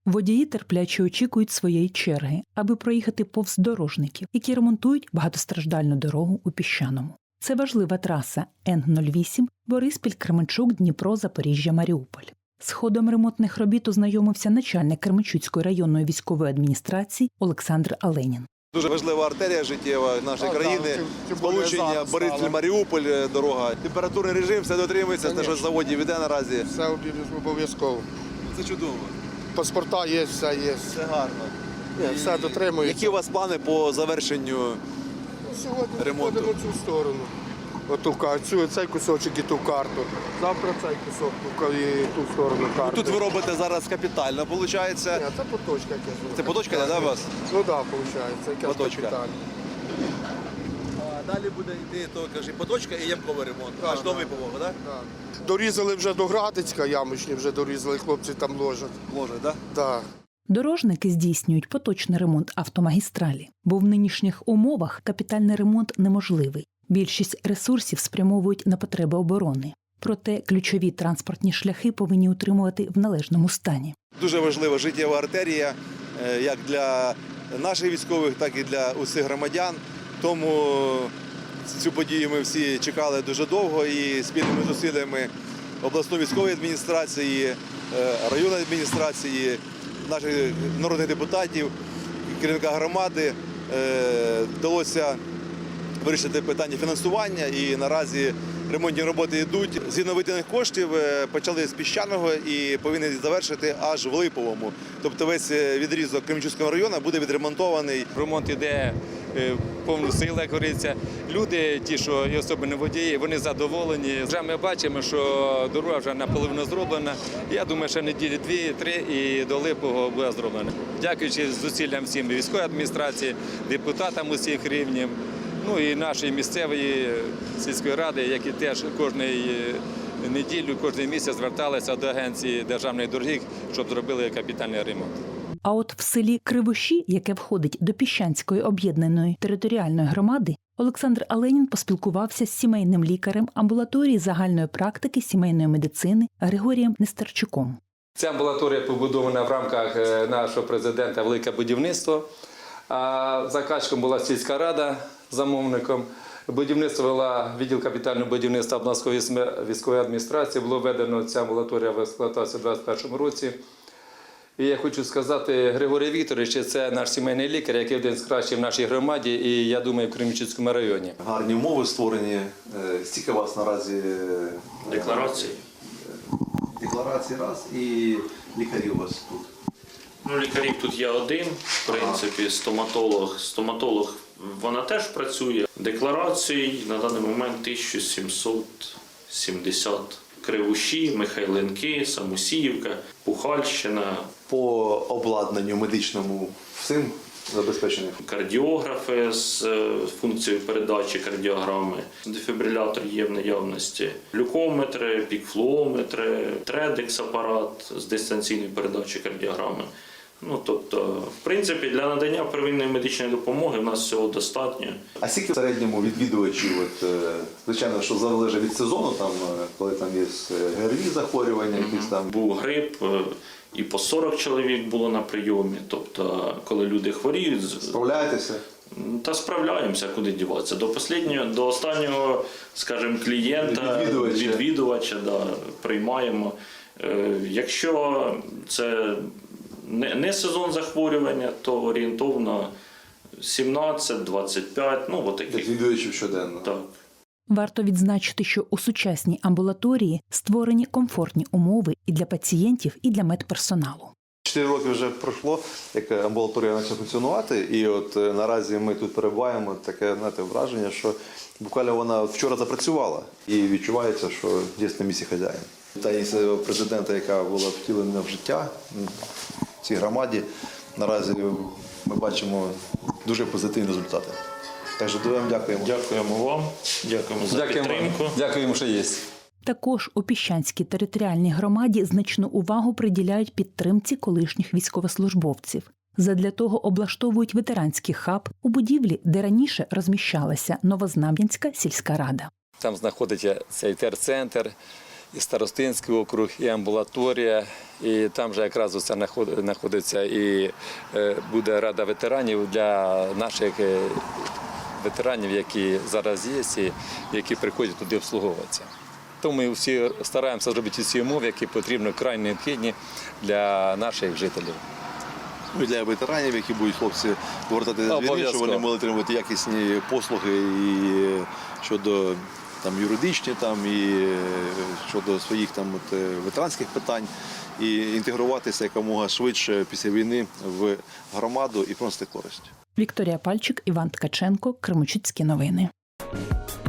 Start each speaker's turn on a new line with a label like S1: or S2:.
S1: Водії терпляче очікують своєї черги, аби проїхати повз дорожників, які ремонтують багатостраждальну дорогу у Піщаному. Це важлива траса Н-08 Бориспіль-Кременчук-Дніпро-Запоріжжя-Маріуполь. З ходом ремонтних робіт ознайомився начальник Кременчуцької районної військової адміністрації Олександр Аленін.
S2: Дуже важлива артерія життєва нашої країни, сполучення Бориспіль-Маріуполь, дорога. Температурний режим, все дотримується, те, що з заводів іде наразі.
S3: Все обов'язково.
S2: Це чудово.
S3: Паспорта є, все є.
S2: Все гарно.
S3: Все дотримується.
S2: Які у вас плани по завершенню
S3: Сьогодні
S2: ремонту?
S3: ходимо цю сторону. Цей кусочок і ту карту. Завтра цей кусок і ту сторону карти.
S2: Тут ви робите зараз капітально, виходить?
S3: Ні, це поточка якась.
S2: Це поточка, да, у вас?
S3: Ну так, виходить, якась
S2: Поточка.
S3: капітальна.
S2: Далі буде йти поточка і ямковий ремонт, аж до Випового, так?
S3: Дорізали вже до Градицька, ямочні вже дорізали, хлопці там ложать.
S2: Ложить, так?
S3: Так.
S1: Дорожники здійснюють поточний ремонт автомагістралі, бо в нинішніх умовах капітальний ремонт неможливий. Більшість ресурсів спрямовують на потреби оборони. Проте ключові транспортні шляхи повинні утримувати в належному стані.
S2: Дуже важлива життєва артерія, як для наших військових, так і для усіх громадян. Тому цю подію ми всі чекали дуже довго і спільними зусиллями обласної військової адміністрації, районної адміністрації, наших народних депутатів, керівника громади вдалося вирішити питання фінансування, і наразі ремонтні роботи йдуть. Згідно виділених коштів почали з Піщаного і повинні завершити аж в Липовому. Тобто весь відрізок Кременчуцького району буде відремонтований.
S4: Ремонт іде повну силу, як говориться. Люди, ті, що і особливо водії, вони задоволені. Вже ми бачимо, що дорога вже наполовину зроблена. Я думаю, що неділі 2-3 і до Липового буде зроблено. Дякуючи зусиллям всім військової адміністрації, депутатам усіх рівнів, ну і нашої місцевої сільської ради, які теж кожної неділю, кожен місяць зверталися до агенції державних доріг, щоб зробили капітальний ремонт.
S1: А от в селі Кривоші, яке входить до Піщанської об'єднаної територіальної громади, Олександр Аленін поспілкувався з сімейним лікарем амбулаторії загальної практики сімейної медицини Григорієм Нестерчуком.
S4: Ця амбулаторія побудована в рамках нашого президента «Велике будівництво». А заказчиком була сільська рада, замовником. Будівництво вела відділ капітального будівництва обласної військової адміністрації. Було введено ця амбулаторія в експлуатацію у 2021 році. І я хочу сказати, Григорій Вікторович – це наш сімейний лікар, який один з кращих в нашій громаді і, я думаю, в Кременчуцькому районі.
S2: Гарні умови створені. Стільки у вас наразі
S5: Декларації.
S2: Декларації раз і лікарі у вас тут.
S5: Ну, лікарів тут є один, в принципі, стоматолог, вона теж працює. Декларацій на даний момент 1770. Кривоші, Михайленки, Самосіївка, Пухальщина.
S2: По обладнанню медичному всім забезпечені?
S5: Кардіографи з функцією передачі кардіограми, дефібрилятор є в наявності, глюкометри, пікфлуометри, тредекс-апарат з дистанційної передачі кардіограми. Ну, тобто, в принципі, для надання первинної медичної допомоги в нас всього достатньо.
S2: А скільки в середньому відвідувачів, звичайно, що залежить від сезону, там, коли там є ГРВІ захворювання, якісь там?
S5: Був грип, і по 40 чоловік було на прийомі. Тобто, коли люди хворіють...
S2: Справляєтеся?
S5: Та справляємося, куди діватися. До останнього, скажімо, клієнта, відвідувача приймаємо. Якщо це не сезон захворювання, то орієнтовно 17-25, ну, отаких.
S2: Відвідувачів щоденно?
S5: Так.
S1: Варто відзначити, що у сучасній амбулаторії створені комфортні умови і для пацієнтів, і для медперсоналу.
S2: 4 роки вже пройшло, як амбулаторія почала функціонувати, і от наразі ми тут перебуваємо, таке, знаєте, враження, що буквально вона вчора запрацювала і відчувається, що дійсно на місці хазяїн. Та ініціатива президента, яка була втілена в життя в цій громаді, наразі ми бачимо дуже позитивні результати. Так що дуже вам дякуємо.
S5: Дякуємо вам, дякуємо за підтримку.
S4: Дякуємо, що є.
S1: Також у Піщанській територіальній громаді значну увагу приділяють підтримці колишніх військовослужбовців. Задля того облаштовують ветеранський хаб у будівлі, де раніше розміщалася Новознам'янська сільська рада.
S4: Там знаходиться цей терцентр. і Старостинський округ, і амбулаторія. І там вже якраз оце знаходиться і буде рада ветеранів для наших ветеранів, які зараз є і які приходять туди обслуговуватися. Тому ми всі стараємося зробити всі умови, які потрібні, край необхідні для наших жителів.
S2: Ну, і для ветеранів, які будуть хлопці повертатися з війни, щоб
S4: Обов'язково.
S2: вони могли отримувати якісні послуги і щодо там, юридичні, там, і щодо своїх там, ветеранських питань, і інтегруватися якомога швидше після війни в громаду і приносити користь.
S1: Вікторія Пальчик, Іван Ткаченко, Кременчуцькі новини.